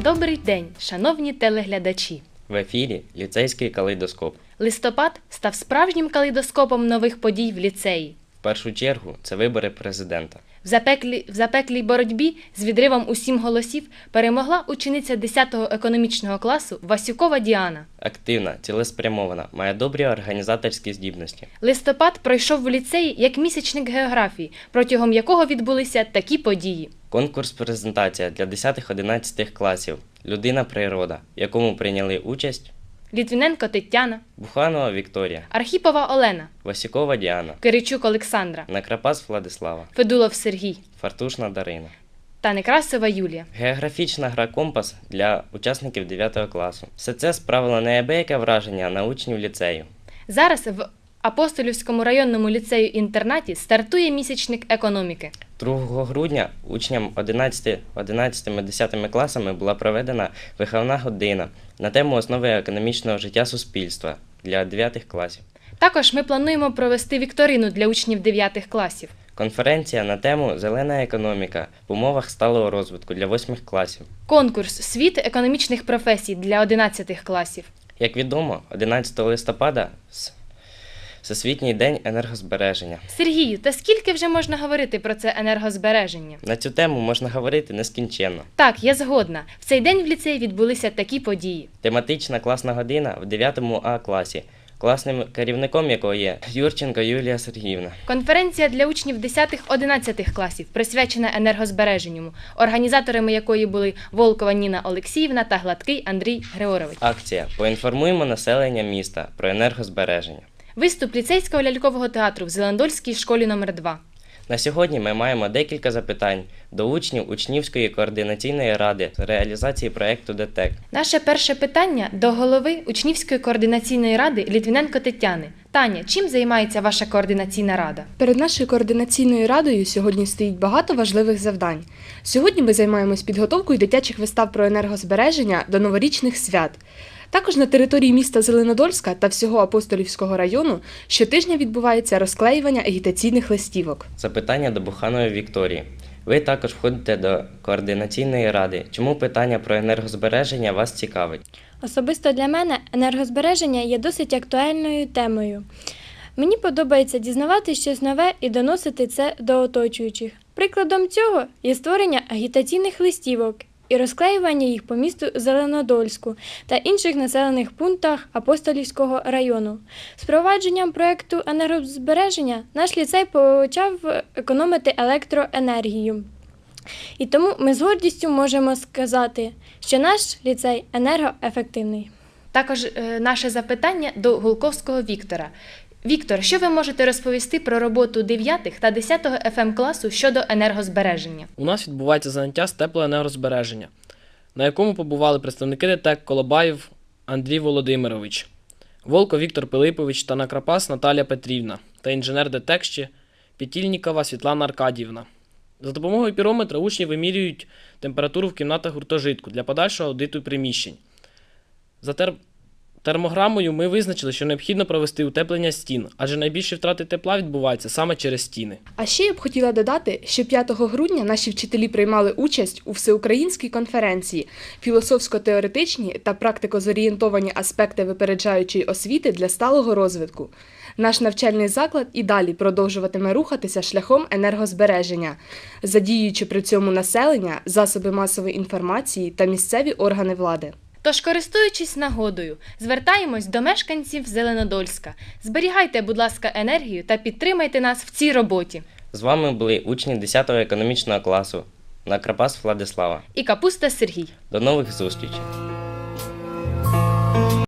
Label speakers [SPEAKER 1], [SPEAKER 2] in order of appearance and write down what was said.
[SPEAKER 1] Добрий день, шановні телеглядачі!
[SPEAKER 2] В ефірі ліцейський калейдоскоп.
[SPEAKER 1] Листопад став справжнім калейдоскопом нових подій в ліцеї.
[SPEAKER 2] В першу чергу це вибори президента.
[SPEAKER 1] В запеклій боротьбі з відривом у 7 голосів перемогла учениця 10-го економічного класу Васюкова Діана.
[SPEAKER 2] Активна, цілеспрямована, має добрі організаторські здібності.
[SPEAKER 1] Листопад пройшов в ліцеї як місячник географії, протягом якого відбулися такі події.
[SPEAKER 2] Конкурс-презентація для 10-11 класів «Людина-природа», в якому прийняли участь
[SPEAKER 1] Літвіненко Тетяна,
[SPEAKER 2] Буханова Вікторія,
[SPEAKER 1] Архіпова Олена,
[SPEAKER 2] Васюкова Діана,
[SPEAKER 1] Киричук Олександра,
[SPEAKER 2] Накрапас Владислава,
[SPEAKER 1] Федулов Сергій
[SPEAKER 2] Фартушна Дарина.
[SPEAKER 1] та Некрасова Юлія.
[SPEAKER 2] Географічна гра «Компас» для учасників 9 класу. Все це справило неабияке враження на учнів ліцею.
[SPEAKER 1] Зараз в Апостолівському районному ліцею-інтернаті стартує місячник економіки.
[SPEAKER 2] 2 грудня учням 11-10 класами була проведена виховна година на тему «Основи економічного життя суспільства» для 9 класів.
[SPEAKER 1] Також ми плануємо провести вікторину для учнів 9 класів.
[SPEAKER 2] Конференція на тему «Зелена економіка в умовах сталого розвитку» для 8 класів.
[SPEAKER 1] Конкурс «Світ економічних професій» для 11 класів.
[SPEAKER 2] Як відомо, 11 листопада – Всесвітній день енергозбереження.
[SPEAKER 1] Сергію, та скільки вже можна говорити про це енергозбереження?
[SPEAKER 2] На цю тему можна говорити нескінченно.
[SPEAKER 1] Так, я згодна. В цей день в ліцеї відбулися такі події.
[SPEAKER 2] Тематична класна година в 9 А класі, класним керівником якого є Юрченко Юлія Сергіївна.
[SPEAKER 1] Конференція для учнів 10-11 класів, присвячена енергозбереженню, організаторами якої були Волкова Ніна Олексіївна та Гладкий Андрій Григорович.
[SPEAKER 2] Акція «Поінформуємо населення міста про енергозбереження». Виступ
[SPEAKER 1] ліцейського лялькового театру в Зеландольській школі номер 2.
[SPEAKER 2] На сьогодні ми маємо декілька запитань до учнів Учнівської координаційної ради з реалізації проєкту ДТЕК.
[SPEAKER 1] Наше перше питання до голови Учнівської координаційної ради Літвіненко Тетяни. Таня, чим займається ваша координаційна рада?
[SPEAKER 3] Перед нашою координаційною радою сьогодні стоїть багато важливих завдань. Сьогодні ми займаємось підготовкою дитячих вистав про енергозбереження до новорічних свят. Також на території міста Зеленодольська та всього Апостолівського району щотижня відбувається розклеювання агітаційних листівок.
[SPEAKER 2] Запитання до Буханової Вікторії. Ви також входите до координаційної ради. Чому питання про енергозбереження вас цікавить?
[SPEAKER 4] Особисто для мене енергозбереження є досить актуальною темою. Мені подобається дізнавати щось нове і доносити це до оточуючих. Прикладом цього є створення агітаційних листівок і розклеювання їх по місту Зеленодольську та інших населених пунктах Апостолівського району. З впровадженням проєкту енергозбереження наш ліцей почав економити електроенергію. І тому ми з гордістю можемо сказати, що наш ліцей енергоефективний.
[SPEAKER 1] Також наше запитання до Гулковського Віктора. Віктор, що ви можете розповісти про роботу 9 та 10 ФМ класу щодо енергозбереження?
[SPEAKER 5] У нас відбувається заняття з теплоенергозбереження, на якому побували представники ДТЕК Колобаєв Андрій Володимирович, Волко Віктор Пилипович та Накрапас Наталія Петрівна та інженер ДТЕК ще Петільнікова Світлана Аркадіївна. За допомогою пірометра учні вимірюють температуру в кімнатах гуртожитку для подальшого аудиту приміщень. За термограмою ми визначили, що необхідно провести утеплення стін, адже найбільші втрати тепла відбуваються саме через стіни.
[SPEAKER 3] А ще я б хотіла додати, що 5 грудня наші вчителі приймали участь у всеукраїнській конференції «Філософсько-теоретичні та практико-зорієнтовані аспекти випереджаючої освіти для сталого розвитку». Наш навчальний заклад і далі продовжуватиме рухатися шляхом енергозбереження, задіюючи при цьому населення, засоби масової інформації та місцеві органи влади.
[SPEAKER 1] Тож, користуючись нагодою, звертаємось до мешканців Зеленодольська. Зберігайте, будь ласка, енергію та підтримайте нас в цій роботі.
[SPEAKER 2] З вами були учні 10 економічного класу Накрапас Владислава
[SPEAKER 1] І Капуста Сергій.
[SPEAKER 2] До нових зустрічей!